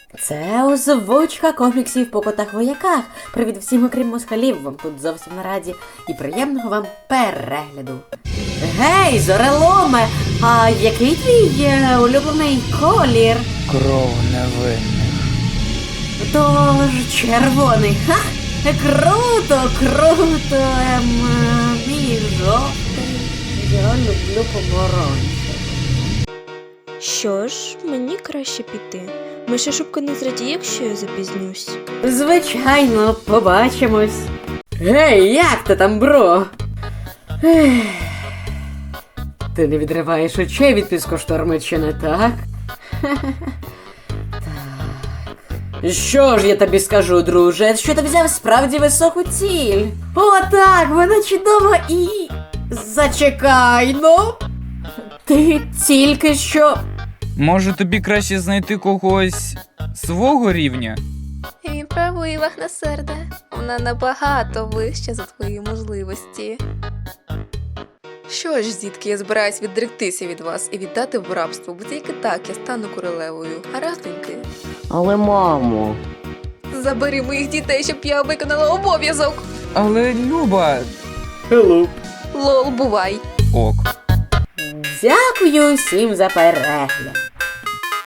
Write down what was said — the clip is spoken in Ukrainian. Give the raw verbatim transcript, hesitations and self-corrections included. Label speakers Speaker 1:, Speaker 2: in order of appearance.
Speaker 1: Це озвучка коміксів по котах-вояках. Привіт всім, окрім москалів, вам тут зовсім на раді. І приємного вам перегляду. Гей, зореломе, а який твій е, улюблений колір?
Speaker 2: Кров невинних.
Speaker 1: Тож червоний. Ха! Круто, круто, ем, мій жовтий. Я люблю помаранчевий.
Speaker 3: Що ж, мені краще піти. Миша шубка не зрадіє, якщо я запізнюсь.
Speaker 1: Звичайно, побачимось. Гей, як ти там, бро? Ех. Ти не відриваєш очей від піскошторму, чи не так? Так. Що ж я тобі скажу, друже, що ти взяв справді високу ціль? О, так, вона чудова і... Зачекай, ну. Ти тільки що...
Speaker 2: Може тобі краще знайти когось свого рівня?
Speaker 4: Він правий, Вахнасерде. Вона набагато вища за твої можливості. Що ж, дітки, я збираюсь відректися від вас і віддати в рабство, бо тільки так я стану королевою. Гаразденьки.
Speaker 5: Але, мамо...
Speaker 4: Забери моїх дітей, щоб я виконала обов'язок.
Speaker 2: Але, Люба...
Speaker 1: Hello.
Speaker 4: Лол, бувай.
Speaker 2: Ок.
Speaker 1: Дякую всім за перегляд.